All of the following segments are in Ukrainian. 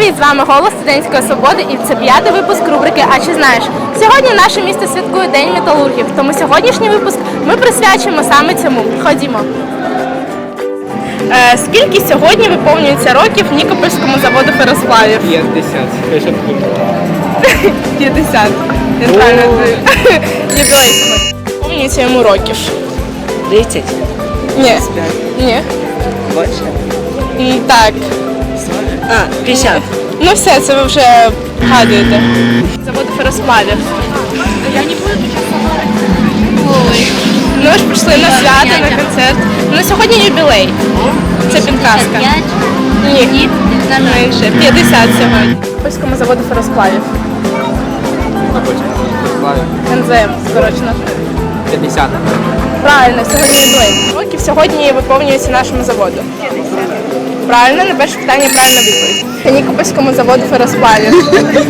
Привіт, з вами Голос Студентської Свободи і це 5-й випуск рубрики «А чи знаєш?». Сьогодні наше місто святкує День металургів, тому сьогоднішній випуск ми присвячуємо саме цьому. Ходімо. Скільки сьогодні виповнюється років Нікопольському заводу феросплавів? 50. 50. Юбілей. Виповнюється йому років. 30? Ні. Ні. Больше? Так. 50. Ну все, це ви вже гадуєте. Заводу феросплавів. Я не буду Ой. Ну ж прийшли на свято, на концерт. Ну сьогодні юбілей. Це підказка. Ні. Менше. 50 сьогодні. Польському заводу феросплавів. НЗФ, скорочено. 50. Правильно, сьогодні юбілей. Років сьогодні виповнюється нашому заводу. Правильно, на перше питання правильна відповідь. Нікопольському заводу феросплавів.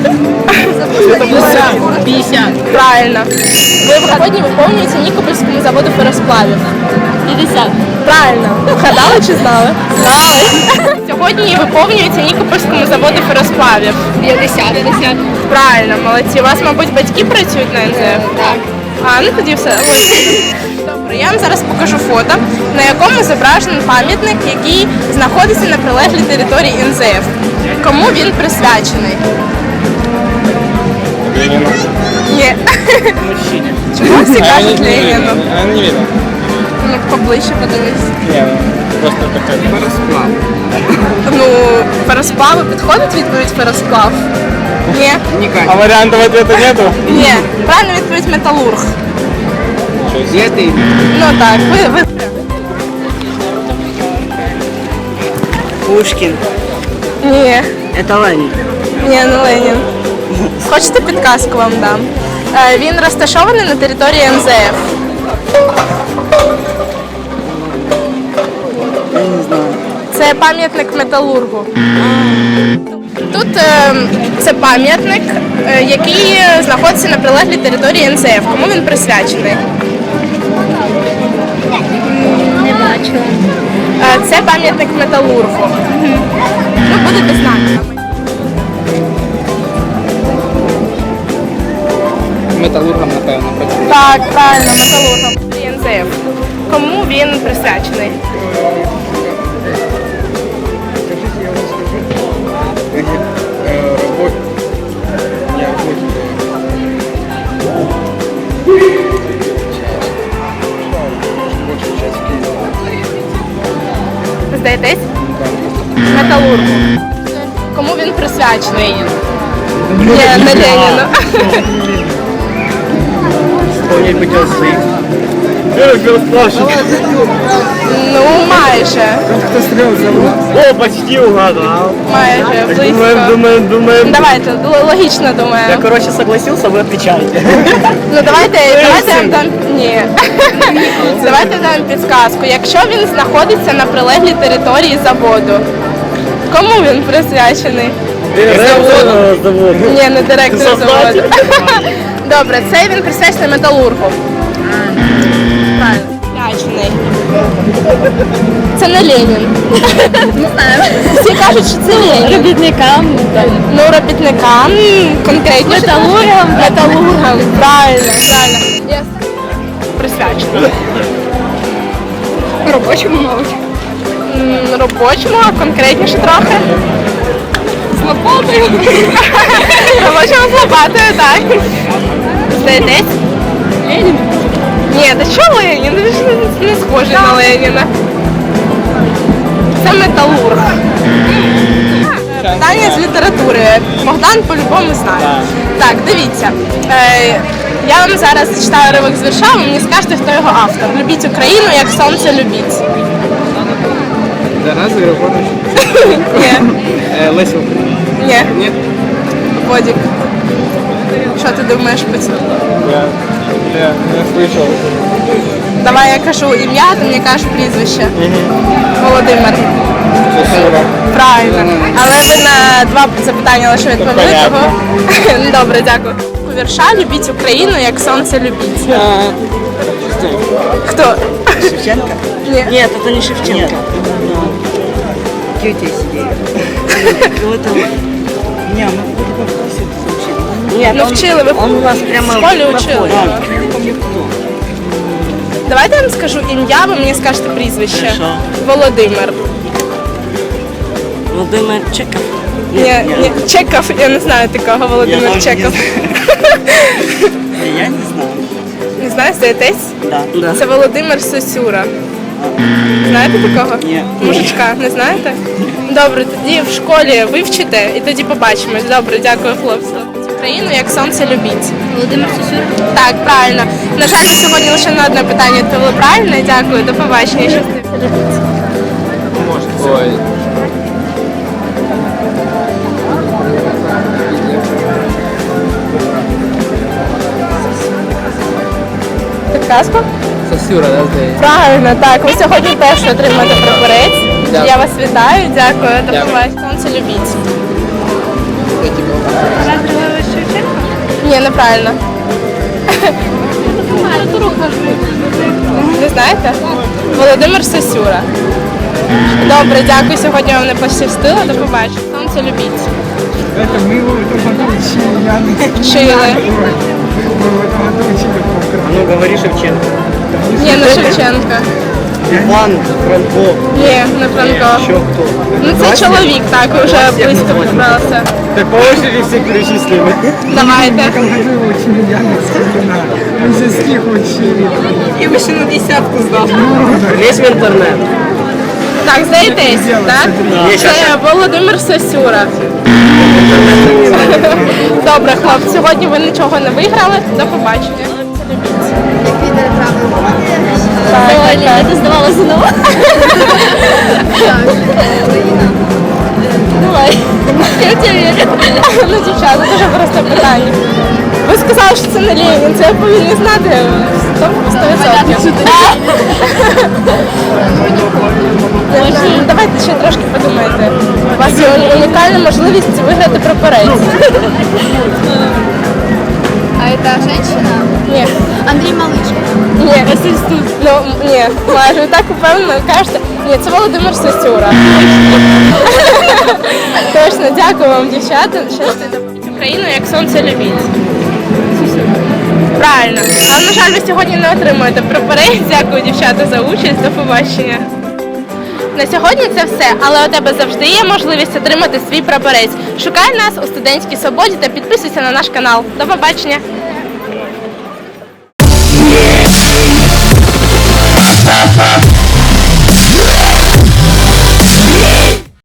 50. Правильно. Сьогодні виповнюється Нікопольському заводу феросплавів. 50. Правильно. Вгадали чи знали? Знали. Сьогодні виповнюється Нікопольському заводу феросплавів. 50. Правильно, молодці. У вас, мабуть, батьки працюють на НЗФ? Так. Ну тоді все. Ось. Добре, я вам зараз покажу фото, на якому зображений пам'ятник, який знаходиться на прилеглій території НЗФ. Кому він присвячений? Ленину. Ні. Мужчине. Чому всі кажуть Леніну? Я не видел. Ну, поближче подивись. Не, просто такой феросплав. Ну, феросплави підходить відповідь феросплав? Ні. А вариантов ответа нету? Ні. Правильно відповідь металург. Где Ну так, ви... Пушкин. Ні. Это Ленин. Ні, не Ленін. Хочете підказку вам дам? Він розташований на території НЗФ. Я не знаю. Це пам'ятник металургу. Тут це пам'ятник, який знаходиться на прилеглій території НЗФ. Кому він присвячений? Не бачила. Це пам'ятник металургу. Ну, будете знати. Металургом, напевно, працює. Так, правильно, металургом. НЗФ. Кому він присвячений? Здаєтесь? Металургу. Кому він присвячений? Ні, не Леніну. Вспомнить бы тебя своих. Ну, майже. Кто стрел зовут? О, почти угадал. Майже, близько. Думаем. Давайте, логічно думаю. короче, согласился, вы отвечаете. Ну давайте я вам дам. Ні. Давайте дам підсказку. Якщо він знаходиться на прилеглій території заводу, кому він присвячений? Ні, не директор заводу. Добре, це він присвячений металургу. Правильно. Присвячений. Це не Ленін. Не знаю. Всі кажуть, що це Ленін. Робітникам. Ну, робітникам, конкретніше. Металургам. Металургам. Правильно, правильно. Присвячений. Робочому, мабуть. Робочому, а конкретніше трохи. З лопатою. Робочому з лопатою, так. Здаєтесь? Ленин. Ні, та що Ленін? Він ж не схожий на Леніна. Це металург. Питання з літератури. Богдан по-любому знає. Так, дивіться. Я вам зараз зачитаю уривок з вірша, ви мені скажете, хто його автор. Любіть Україну, як сонце любіть. Тарас Григорович. Ні. Леся. Ні. Нет? Водік. Що ти думаєш по цьому? Я не слышал. Давай я кажу ім'я, ти мені кажеш прізвище. Володимир. Правильно. Але ви на 2 запитання лише відповіли, того. Добре, дякую. У вірша «Любіть Україну, як сонце любіть». Хто? Шевченко? Ні. Нет, это не Шевченко. Какие у тебя есть идеи? Не, мы в классе учили. Ну, вчили, ви Он у нас прямо в школі учили. Да. його. Я не помню кто. Давайте я вам скажу ім'я, ви мені скажете прізвище. Хорошо. Володимир. Володимир Чеков. Ні, Чеков, я не знаю такого Володимир Я Чеков. Я не знаю. Не знаю, здаєтесь? Да. Це Володимир Сосюра. Знаєте такого? Ні. Мужичка, не знаєте? Добре, тоді в школі вивчите і тоді побачимось. Добре, дякую, хлопці. Україну як сонце любіть. Володимир Сосюра. Так, правильно. На жаль, ви сьогодні лише на одне питання відповіли правильно. Дякую, до побачення. Щасти. Ой. Підказку? Сосюра, да, здається? Правильно, так. Ви сьогодні теж отримаєте прапорець. Дякую. Я вас вітаю, дякую, до Дякую. побачення. Сонце любіть. Я тебе Тарас Григорович Шевченко. Ні, неправильно. Не знаєте? Володимир Сосюра. Добре, дякую. Сьогодні вам не пощастило. До побачення. Сонце любіть. Это мы его в этом году учили, я не Вчили. Мы в этом году учили по Ну, говори Шевченко. Ні, не Шевченка. Иван Франко. Ні, не Франко. Еще кто? Ну це чоловік, так, ви вже близько підбралися. Так по очереди все перечислили. Давайте. В этом году его учили Яна Скорина. Мы же стих учили. И еще на десятку сдал. Лезь в интернет. Так, здаєтесь, так? Це Володимир Сосюра. Добре, хлопці, сьогодні ви нічого не виграли. До побачення. Ти здавала знову? Давай. Я в тебе вірю. Ну, дівчата, дуже просте питання. Ви сказали, що це не Ленін, це я повинні знати 100%. Ну, давайте ще трошки подумайте. У вас є унікальна можливість виграти прапорець. А это женщина? Ні. Андрей Малышко. Ні, ну, ні, майже ви так упевнено кажете. Ні, це Володимир Сосюра. Точно, дякую вам, дівчата. Щастя, Україну як сонце любіть. Правильно. Але, на жаль, ви сьогодні не отримуєте прапорець. Дякую, дівчата, за участь. До побачення. На сьогодні це все, але у тебе завжди є можливість отримати свій прапорець. Шукай нас у Студентській Свободі та підписуйся на наш канал. До побачення! Ha ha.